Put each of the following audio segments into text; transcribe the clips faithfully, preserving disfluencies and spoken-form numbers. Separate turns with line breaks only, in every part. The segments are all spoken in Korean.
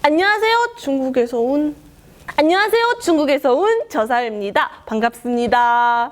안녕하세요. 중국에서 온 안녕하세요. 중국에서 온 저사입니다. 반갑습니다.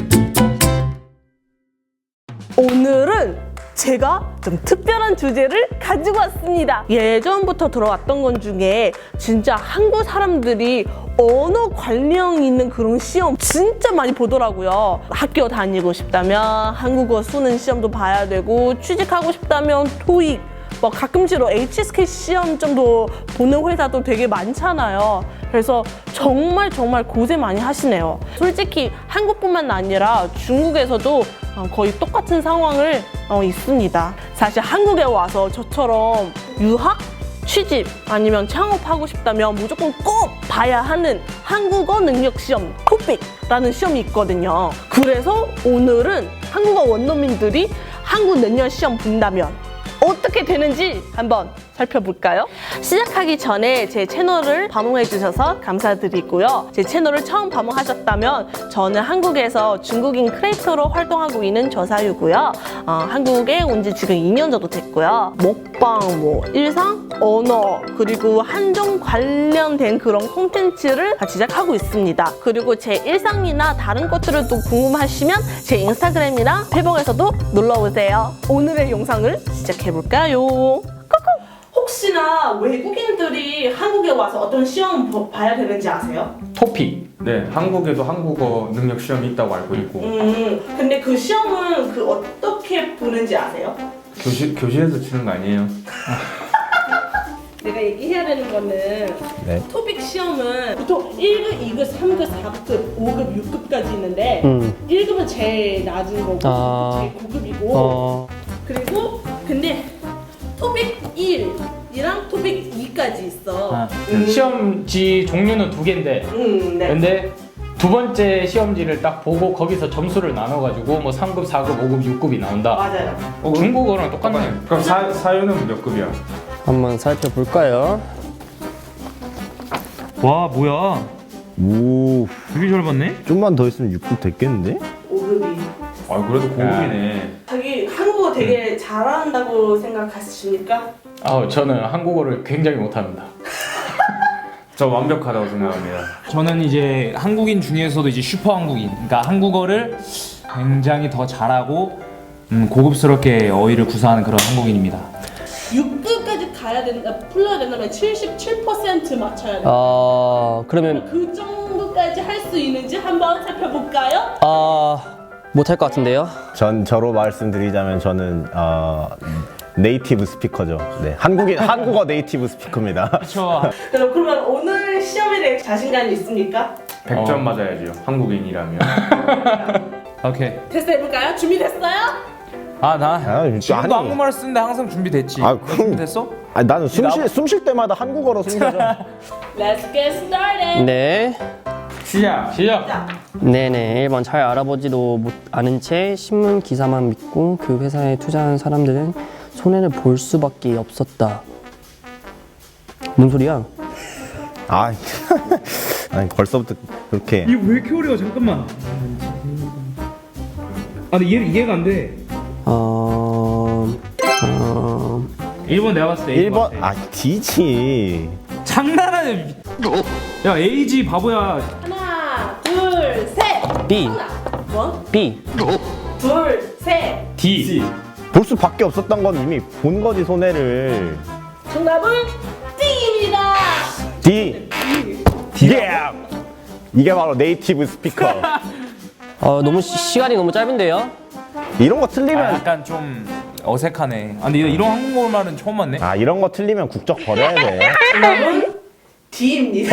오늘은 제가 좀 특별한 주제를 가지고 왔습니다. 예전부터 들어왔던 것 중에 진짜 한국 사람들이 언어 관련 있는 그런 시험 진짜 많이 보더라고요. 학교 다니고 싶다면 한국어 쓰는 시험도 봐야 되고, 취직하고 싶다면 토익, 뭐 가끔씩으로 에이치에스케이 시험 정도 보는 회사도 되게 많잖아요. 그래서 정말 정말 고생 많이 하시네요. 솔직히 한국뿐만 아니라 중국에서도 거의 똑같은 상황을 어, 있습니다. 사실 한국에 와서 저처럼 유학, 취직 아니면 창업하고 싶다면 무조건 꼭 봐야 하는 한국어 능력 시험 토픽이라는 시험이 있거든요. 그래서 오늘은 한국어 원어민들이 한국 능력 시험 본다면 어떻게 되는지 한번 살펴볼까요? 시작하기 전에 제 채널을 방문해 주셔서 감사드리고요. 제 채널을 처음 방문하셨다면 저는 한국에서 중국인 크리에이터로 활동하고 있는 저사유고요. 어, 한국에 온 지 지금 이 년 정도 됐고요. 먹방, 뭐 일상, 언어, 그리고 한정 관련된 그런 콘텐츠를 제작하고 있습니다. 그리고 제 일상이나 다른 것들을 또 궁금하시면 제 인스타그램이랑 페북에서도 놀러오세요. 오늘의 영상을 시작해볼까요? 혹시나 외국인들이 한국에 와서 어떤 시험 봐야 되는지 아세요?
토픽. 네, 한국에도 한국어 능력 시험이 있다고 알고 있고.
음, 근데 그 시험은 그 어떻게 보는지 아세요?
교실 교실에서 치는 거 아니에요?
내가 얘기해야 되는 거는
네.
토픽 시험은 보통 일 급, 이 급, 삼 급, 사 급, 오 급, 육 급까지 있는데
음.
일 급은 제일 낮은 거고
아.
제일 고급이고
어.
그리고 근데 토픽 일이랑 토픽 이까지 있어.
아,
음.
시험지 종류는 두 개인데
음, 네.
근데 두 번째 시험지를 딱 보고 거기서 점수를 나눠가지고 뭐 삼 급, 사 급, 오 급, 육 급이 나온다.
맞아요.
어, 중국어랑 똑같네.
그럼 사, 사유는 몇 급이야?
한번 살펴볼까요?
와 뭐야
오,
되게 잘 봤네?
좀만 더 있으면 육 급 됐겠는데?
오 급이.
아, 그래도 고급이네.
자기 한국어 되게 잘한다고 생각하십니까?
아, 저는 한국어를 굉장히 못합니다.
저 완벽하다고 생각합니다.
저는 이제 한국인 중에서도 이제 슈퍼 한국인, 그러니까 한국어를 굉장히 더 잘하고 음, 고급스럽게 어휘를 구사하는 그런 한국인입니다.
육 급까지 가야 된다, 풀러야 된다면 칠십칠 퍼센트 맞춰야 돼.
아, 그러면
그 정도까지 할 수 있는지 한번 살펴볼까요?
아, 못할 것 같은데요?
전 저로 말씀드리자면 저는 어, 네이티브 스피커죠. 네, 한국인 한국어 네이티브 스피커입니다.
그렇죠.
그럼 그러면 오늘 시험에 대해 자신감이 있습니까?
백 점
어.
맞아야죠. 한국인이라면.
오케이.
테스트 해볼까요? 준비됐어요?
아나
아,
지금도
아니.
한국말 쓰는데 항상 준비됐지.
아,
너
그럼-
준비됐어?
아니, 나는 숨쉴 숨쉴 때마다 한국어로 숨겨져.
Let's get started.
네.
시작! 시작!
자,
네네. 일 번 잘 알아보지도 못 아는 채 신문 기사만 믿고 그 회사에 투자한 사람들은 손해를 볼 수밖에 없었다. 뭔 소리야?
아, 아니 벌써부터 그렇게.
이거 왜 이렇게 어려워? 잠깐만. 아 근데 이해, 이해가 안 돼.
어... 어...
일 번 내가 봤을 때
일 번 아, D지.
장난하네. 야 에이지 바보야.
하나, 둘, 셋.
B.
뭐?
B.
둘, 셋.
D.
볼 수밖에 없었던 건 이미 본 거지 손해를.
정답은 D입니다.
D. D. 이게 바로 네이티브 스피커.
어, 너무 시, 시간이 너무 짧은데요?
이런 거
아,
틀리면
약간 좀 어색하네. 아 근데 이런 한국어 말은 처음 봤네.
아 이런 거 틀리면 국적 버려야 돼.
정답은 D입니다.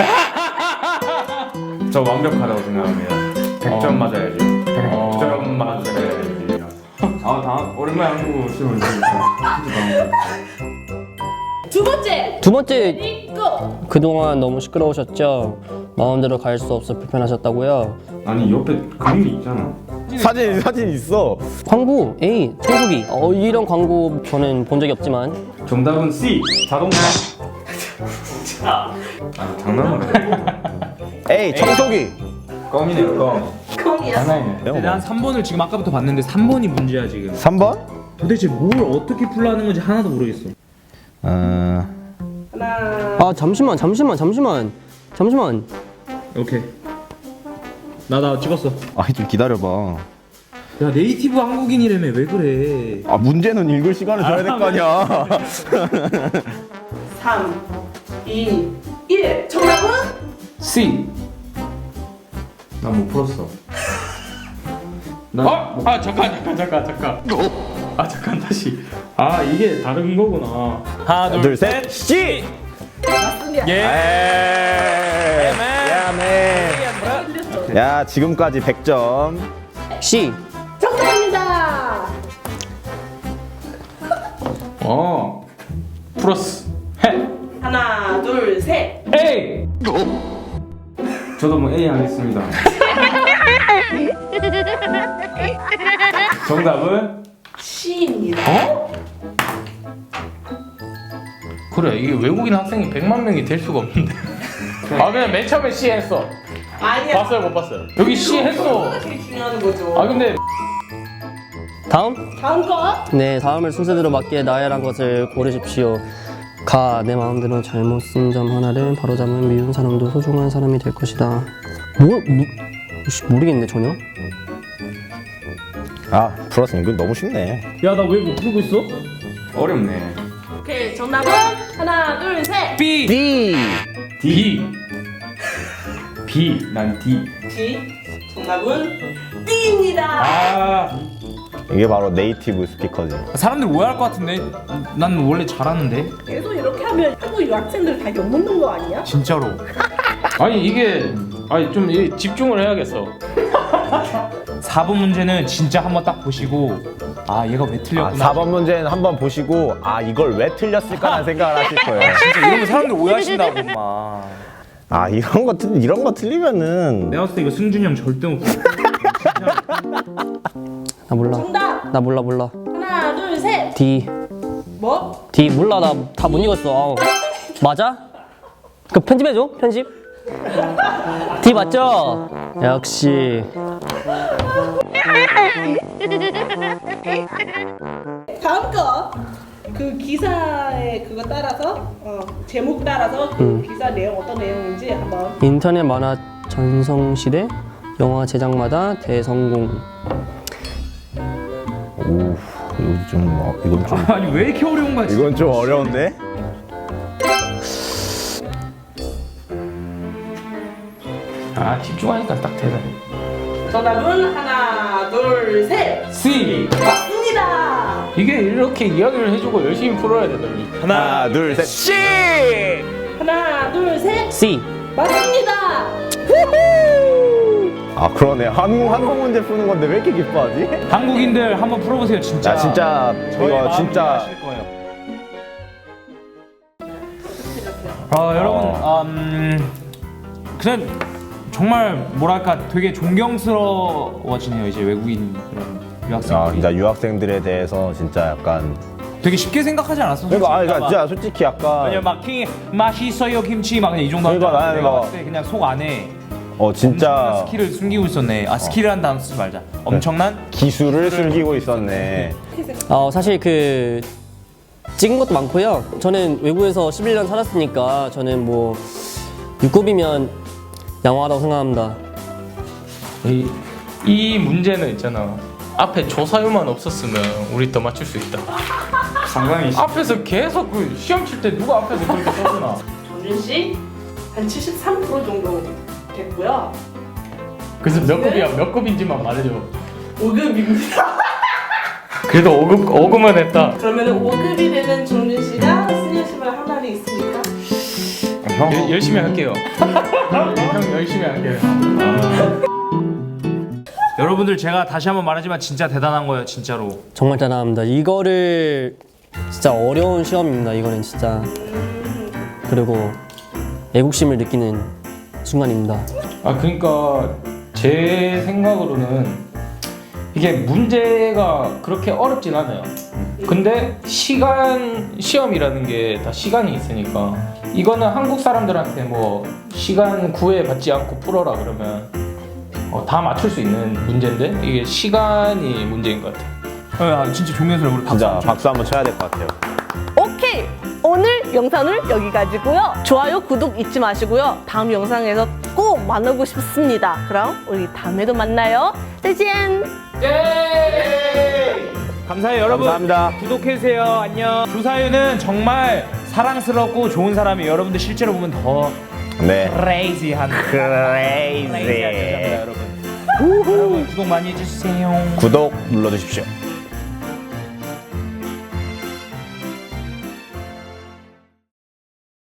저 완벽하다고 생각합니다. 백 점 맞아야지. 백 점 맞아야지.
아, 다음 오랜만에 한국어 시험을 보니까
두 번째.
두 번째,
Ready, go.
그동안 너무 시끄러우셨죠? 마음대로 갈 수 없어 불편하셨다고요?
아니, 옆에 그림이 있잖아.
사진 사진 있어.
광고 A 청소기. 어, 이런 광고 저는 본 적이 없지만
정답은 C. 자동차. 아, 장난으로.
에이 청소기.
껌이네요, 껌.
컴이야.
장난이네.
근데 난 삼 번을 지금 아까부터 봤는데 삼 번이 문제야 지금.
삼 번?
도대체 뭘 어떻게 풀라는 건지 하나도 모르겠어.
어...
하나.
아 잠시만 잠시만 잠시만 잠시만.
오케이. 나 나 찍었어.
아이 좀 기다려봐.
야 네이티브 한국인이라며 왜 그래?
아 문제는 읽을 시간을 줘야 될 거 아니야.
삼, 이, 일. 정답은?
C.
난 못 풀었어. 난
어? 아 잠깐 잠깐 잠깐 잠깐. 아 잠깐 다시. 아 이게 다른 거구나.
하나
둘,
둘
셋,
셋.
씨.
맞습니다.
예.
야매. 야 지금까지 백 점.
C.
정답입니다.
어. 플러스. 해.
하나, 둘, 셋.
A.
저도 뭐 A 하겠습니다. 정답은
C입니다.
어? 그래 이게 외국인 학생이 백만 명이 될 수가 없는데. 아 그냥 맨 처음에 C 했어.
아니야.
봤어요 못 봤어요? 여기 C 했어.
그거가 제일 중요한 거죠.
아 근데
다음.
다음 거.
네, 다음을 순서대로 맞게 나열한 것을 고르십시오. 가, 내 마음대로 잘못 쓴 점 하나를 바로잡으면 미운 사람도 소중한 사람이 될 것이다. 뭘, 뭐, 씨, 모르겠네 전혀.
아 플러스 이거 너무 쉽네.
야 나 왜 못 풀고 있어?
어렵네.
오케이, 정답은 하나, 둘, 셋.
B.
B.
D.
B. 난 D.
D. 정답은 D입니다.
아
이게 바로 네이티브 스피커지.
사람들 오해할 것 같은데 난 원래 잘하는데
계속 이렇게 하면 한국 유학생들 다 욕먹는 거 아니야?
진짜로.
아니 이게 아니 좀 이- 집중을 해야겠어.
사 번 문제는 진짜 한번 딱 보시고 아 얘가 왜
아,
틀렸구나.
사 번 문제는 한번 보시고 아 이걸 왜 틀렸을까라는 생각을 하실 거예요.
진짜 이러면 사람들 오해하신다고 막.
아 이런 거 틀, 이런 거 틀리면은
내가 봤을 때 이거 승준이 형 절대 못 풀어.
나 몰라.
정답.
나 몰라 몰라.
하나, 둘, 셋.
D.
뭐?
D 몰라 나 다 못 읽었어. 아우. 맞아? 그 편집해줘 편집. D 맞죠? 역시.
다음 거. 그 기사의 그거 따라서 어, 제목 따라서 그
음.
기사 내용 어떤 내용인지 한번.
인터넷 만화 전성시대 영화 제작마다 대성공.
오 이건 좀 어, 이건 좀
아니 왜 이렇게 어려운 거야? 진짜?
이건 좀 어려운데.
아 집중하니까 딱 되네.
정답은 하나, 둘, 셋.
C.
맞습니다.
이게 이렇게 이야기를 해주고 열심히 풀어야 되더니.
하나 둘 셋. 씨.
하나, 둘, 셋.
C.
맞습니다.
아 그러네. 한국 한국 문제 푸는 건데 왜 이렇게 기뻐하지?
한국인들 한번 풀어보세요 진짜.
야 진짜
저희
이거
마음
진짜
이해하실 거예요. 아 여러분 음, 그냥 정말 뭐랄까 되게 존경스러워지네요 이제 외국인 그런
아,
유학생들이.
진짜 유학생들에 대해서 진짜 약간
되게 쉽게 생각하지 않았어.
그러니까 아
솔직히.
그러니까 진짜 솔직히 약간
왜냐면 막 킹, 맛있어요 김치 막 그냥 이 정도
그러니까
하잖아.
나는
내가
뭐-
봤을 때 그냥 속 안에
어
엄청난
진짜
스킬을 숨기고 있었네. 아 스킬이라는 단어 쓰지 말자. 엄청난
기술을 숨기고 있었네.
어, 사실 그 찍은 것도 많고요. 저는 외국에서 십일 년 살았으니까 저는 뭐 육급이면 양호하다고 생각합니다.
이, 이 문제는 있잖아. 앞에 조사유만 없었으면 우리 더 맞출 수 있다.
상당히 쉽-
앞에서 계속 그 시험 칠 때 누가 앞에서 그렇게 써주나?
정준 씨 한 칠십삼 퍼센트 정도 됐고요.
그래서 몇 급이야? 몇 급인지만 말해줘.
오 급입니다.
그래도 오 급 오 급만 했다.
그러면 오 급이 되는 정준 씨가 스니어십을 한 날이 있으니까.
형
여- 열심히 할게요. 형 열심히 할게요.
여러분들 제가 다시 한번 말하지만 진짜 대단한 거예요 진짜로.
정말 대단합니다. 이거를 진짜 어려운 시험입니다. 이거는 진짜. 그리고 애국심을 느끼는 순간입니다.
아 그러니까 제 생각으로는 이게 문제가 그렇게 어렵진 않아요. 근데 시간 시험이라는 게 다 시간이 있으니까 이거는 한국 사람들한테 뭐 시간 구애받지 않고 풀어라 그러면 어, 다 맞출 수 있는 문제인데 이게 시간이 문제인 것 같아요.
아 진짜 존경스러워. 우리 박수
진짜
한번 쳐.
박수 한번 쳐야 될 것 같아요.
오케이 오늘 영상은 여기까지고요. 좋아요, 구독 잊지 마시고요. 다음 영상에서 꼭 만나고 싶습니다. 그럼 우리 다음에도 만나요. 짜잔!
예! 감사해요 여러분.
감사합니다.
구독해주세요. 안녕. 조사유는 정말 사랑스럽고 좋은 사람이에요. 여러분들 실제로 보면 더
네.
크레이지한
크레이지.
크레이지한 여자입니다 여러분. 여러분 구독 많이 해주세요.
구독 눌러주십시오.